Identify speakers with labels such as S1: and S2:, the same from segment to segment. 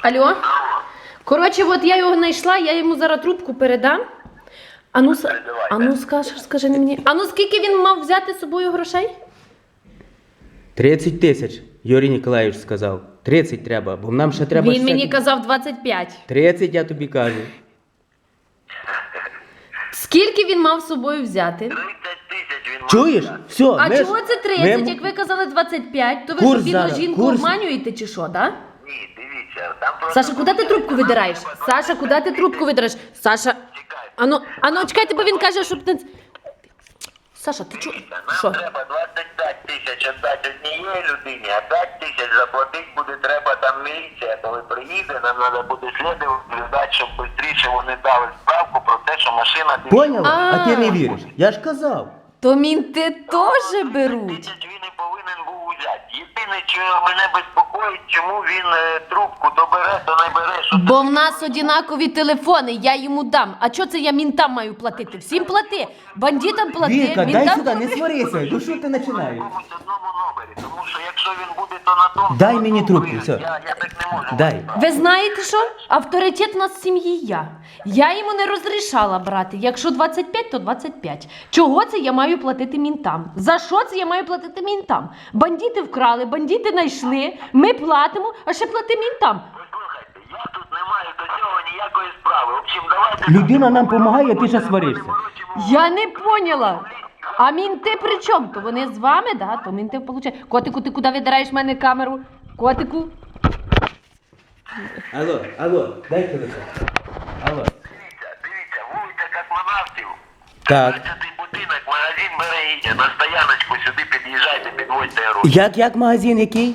S1: Алло? Коротше, от я його знайшла, я йому зараз трубку передам. Скажи мені. Скільки він мав взяти з собою грошей?
S2: 30 тисяч, Юрій Ніколаєвич сказав. 30 треба, бо нам ще треба...
S1: Він мені казав 25.
S2: 30, я тобі кажу.
S1: Скільки він мав з собою взяти?
S3: 30 тисяч він мав.
S2: Чуєш? Все,
S1: А чого це 30? Як ви казали 25, то ви
S2: Курс
S1: ж бідну
S2: зараз,
S1: жінку
S2: курс.
S1: обманюєте чи що, так?
S3: Ні, дивіться, там просто...
S1: Саша, куди ти трубку видираєш? Саша, куди ти трубку видираєш? Саша, чекайте, бо він каже, щоб ти... Саша, ти чого?
S3: Нам
S1: Що?
S3: треба 25 тисяч віддати однієї людині, а 5 тисяч заплатити буде треба там міліція, коли приїде, нам треба буде слідувати, щоб швидше вони дали справку про те, що машина...
S2: Поняла? А ти не
S1: А.
S2: віриш? Я ж казав.
S1: То мінти теж беруть.
S3: Тисяч він і повинен був взяти. Єдине, що мене безпокоїть, чому він трубку то бере, то не бере, що...
S1: Бо в нас однакові телефони, я йому дам. А чого це я мінтам маю платити? Всім плати. Бандитам плати,
S2: Віка, дай
S1: мінтам
S2: сюди, не
S1: плати.
S2: сварися. Ну що ти починаєш?
S3: Комусь одному номері, тому що якщо він буде, то на тому...
S2: Дай мені трубку, все.
S3: Я так не можу.
S2: Дай.
S1: Ви знаєте що? Авторитет у нас в сім'ї я. Я йому не розрішала брати. Якщо 25, то 25. Чого це я маю платити мінтам? За що це я маю платити мінтам? Бандити вкрали, бандити знайшли, ми платимо, а ще плати мінтам.
S3: Послухайте, я тут не маю до цього ніякої справи. В общем, давайте...
S2: Людина нам допомагає, ти ще сваришся.
S1: Я не поняла. А мінти при чому? То вони з вами, да? То мінти получають. Котику, ти куди видираєш в мене камеру? Котику?
S2: Алло, дай телефон. Алло.
S3: Дивіться, вулиця Космонавтів.
S2: Так.
S3: 15-й будинок, магазин Берегиня. На стояночку сюди під'їжджайте, підводьте гроші.
S2: Як магазин який?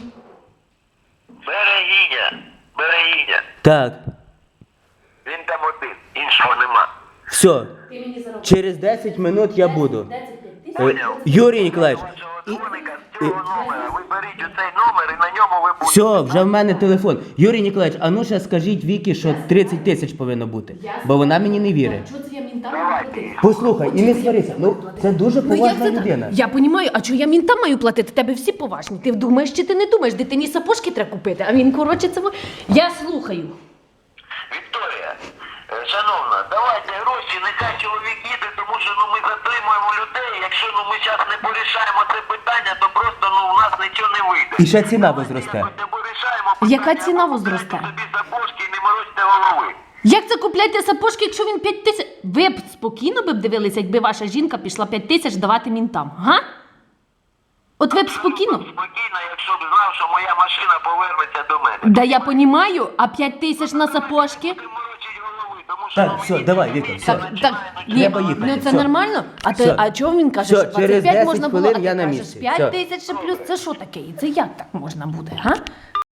S3: Берегиня.
S2: Так.
S3: Він там один, іншого нема.
S2: Все. Через 10 минут я буду. Юрій Ніколаєвич.
S3: Вашого дзвоника з цього номера. Ви беріть оцей номер і на ньому ви будете.
S2: Все, вже в мене телефон. Юрій Ніколаєвич, а ну ще скажіть Вікі, що 30 тисяч повинно бути. Бо вона мені не вірить.
S1: Чого це я мінтам маю платити?
S2: Послухай, і не сварися. Ну, це дуже
S1: Ну як
S2: поважна
S1: це так?
S2: людина.
S1: Я розумію, а чого я мінтам маю платити? Тебе всі поважні. Ти думаєш чи ти не думаєш? Дитині сапожки треба купити, а він, коротше, це... Я слухаю.
S3: Вікторія, шановна, давайте гроші, нехай чоловік їде, тому що ми затримуємо людей. Якщо ми зараз не порішаємо це питання, то просто у нас нічого не вийде.
S2: І ще ціна возросте.
S3: Якось не порішаємо
S1: Яка
S3: питання,
S1: ціна
S3: ви
S1: возросте?
S3: купляйте собі сапожки і не морочте голови.
S1: Як це купляйте сапожки, якщо він 5 тисяч? Ви б спокійно б дивилися, якби ваша жінка пішла 5 тисяч давати мінтам, га? От ви б спокійно?
S3: Спокійно, якщо б знав, що моя машина повернеться до мене.
S1: Да я понімаю, а 5 тисяч на сапожки?
S3: Не морочить голови, тому що...
S2: Так, все, давай, Віка, все.
S1: Так, ні,
S2: Треба їхати,
S1: ну це
S2: все.
S1: нормально?
S2: Все.
S1: А чого він каже,
S2: Все,
S1: що
S2: через
S1: 25
S2: 10
S1: можна було,
S2: хвилин
S1: а ти
S2: я на
S1: кажеш
S2: місці.
S1: 5
S2: Все.
S1: тисяч ще плюс, це що таке? І це як так можна буде, га?